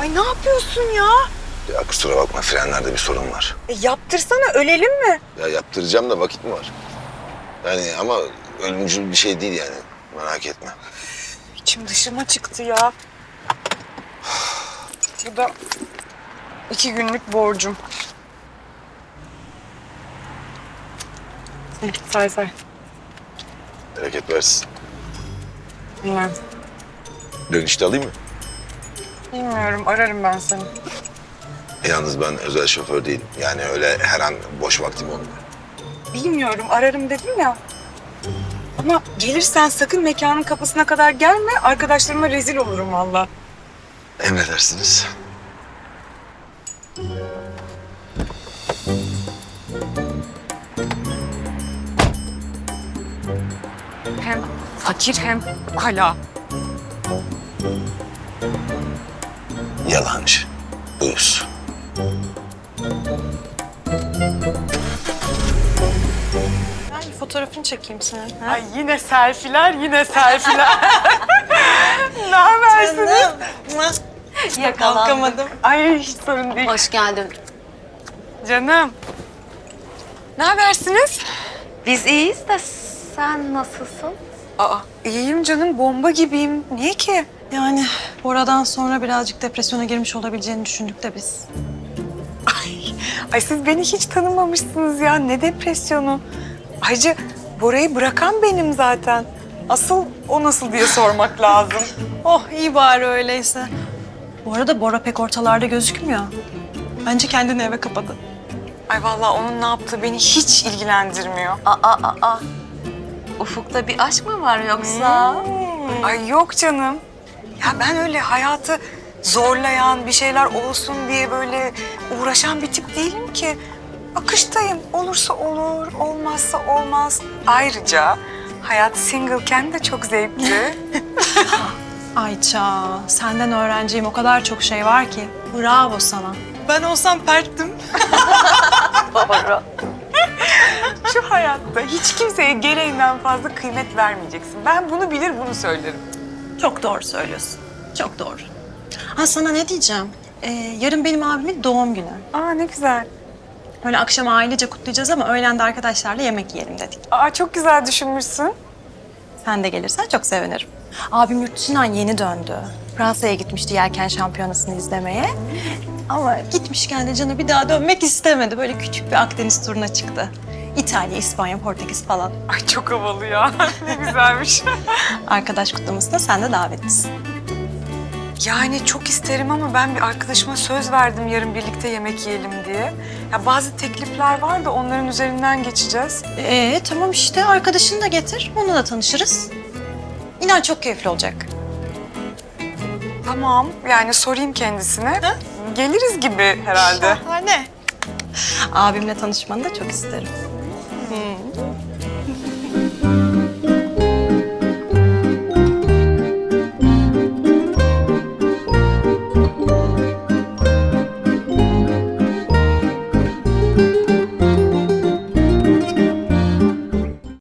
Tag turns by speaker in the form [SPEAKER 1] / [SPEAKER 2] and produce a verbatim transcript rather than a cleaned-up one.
[SPEAKER 1] Ay ne yapıyorsun ya?
[SPEAKER 2] Ya kusura bakma, frenlerde bir sorun var.
[SPEAKER 1] E, yaptırsana, ölelim mi?
[SPEAKER 2] Ya yaptıracağım da vakit mi var? Yani ama ölümcül bir şey değil yani. Merak etme.
[SPEAKER 1] İçim dışıma çıktı ya. Bu da iki günlük borcum. Hı, say say.
[SPEAKER 2] Bereket versin.
[SPEAKER 1] Bilmem.
[SPEAKER 2] Dönüşte alayım mı?
[SPEAKER 1] Bilmiyorum, ararım ben seni.
[SPEAKER 2] E, yalnız ben özel şoför değilim. Yani öyle her an boş vaktim olmuyor.
[SPEAKER 1] Bilmiyorum, ararım dedim ya. Ama gelirsen sakın mekanın kapısına kadar gelme. Arkadaşlarıma rezil olurum valla.
[SPEAKER 2] Emredersiniz.
[SPEAKER 1] Hem fakir hem ukala.
[SPEAKER 2] Yalancı. Uyuz.
[SPEAKER 3] Ben bir fotoğrafını çekeyim senin. Ha?
[SPEAKER 1] Ay yine selfiler, yine selfiler. Ne habersiniz?
[SPEAKER 3] Kalkamadım.
[SPEAKER 1] Ay hiç sorun değil.
[SPEAKER 3] Hoş geldin.
[SPEAKER 1] Canım. Ne habersiniz?
[SPEAKER 3] Biz iyiyiz de sen nasılsın?
[SPEAKER 1] Aa, iyiyim canım, bomba gibiyim. Niye ki?
[SPEAKER 4] Yani Bora'dan sonra birazcık depresyona girmiş olabileceğini düşündük de biz.
[SPEAKER 1] Ay siz beni hiç tanımamışsınız ya. Ne depresyonu? Ayrıca Bora'yı bırakan benim zaten. Asıl o nasıl diye sormak lazım.
[SPEAKER 4] Oh iyi bari öyleyse. Bu arada Bora pek ortalarda gözükmüyor. Bence kendini eve kapadı.
[SPEAKER 1] Ay vallahi onun ne yaptığı beni hiç ilgilendirmiyor.
[SPEAKER 3] Aa, aa, aa. Ufukta bir aşk mı var yoksa?
[SPEAKER 1] Ay yok canım. Ya ben öyle hayatı zorlayan, bir şeyler olsun diye böyle uğraşan bir tip değilim ki. Akıştayım. Olursa olur, olmazsa olmaz. Ayrıca hayat singleken de çok zevkli.
[SPEAKER 4] Ayça, senden öğreneceğim o kadar çok şey var ki. Bravo sana. Ben olsam perttim.
[SPEAKER 3] Doğru.
[SPEAKER 1] Şu hayatta hiç kimseye gereğinden fazla kıymet vermeyeceksin. Ben bunu bilir, bunu söylerim.
[SPEAKER 4] Çok doğru söylüyorsun. Çok doğru. Ha sana ne diyeceğim? Ee, yarın benim abimin doğum günü.
[SPEAKER 1] Aa ne güzel.
[SPEAKER 4] Böyle akşam ailece kutlayacağız ama öğlen de arkadaşlarla yemek yiyelim dedik.
[SPEAKER 1] Aa çok güzel düşünmüşsün.
[SPEAKER 4] Sen de gelirsen çok sevinirim. Abim yurt dışından yeni döndü. Fransa'ya gitmişti yelken şampiyonasını izlemeye. Ama gitmişken de canı bir daha dönmek istemedi. Böyle küçük bir Akdeniz turuna çıktı. İtalya, İspanya, Portekiz falan.
[SPEAKER 1] Ay çok havalı ya. Ne güzelmiş.
[SPEAKER 4] Arkadaş kutlamasına sen de davetlisin.
[SPEAKER 1] Yani çok isterim ama ben bir arkadaşıma söz verdim yarın birlikte yemek yiyelim diye. Ya bazı teklifler var da onların üzerinden geçeceğiz.
[SPEAKER 4] Ee tamam işte arkadaşını da getir. Onunla da tanışırız. İnan çok keyifli olacak.
[SPEAKER 1] Tamam yani sorayım kendisine. Geliriz gibi herhalde.
[SPEAKER 4] Şahane. Abimle tanışmanı da çok isterim. Hmm.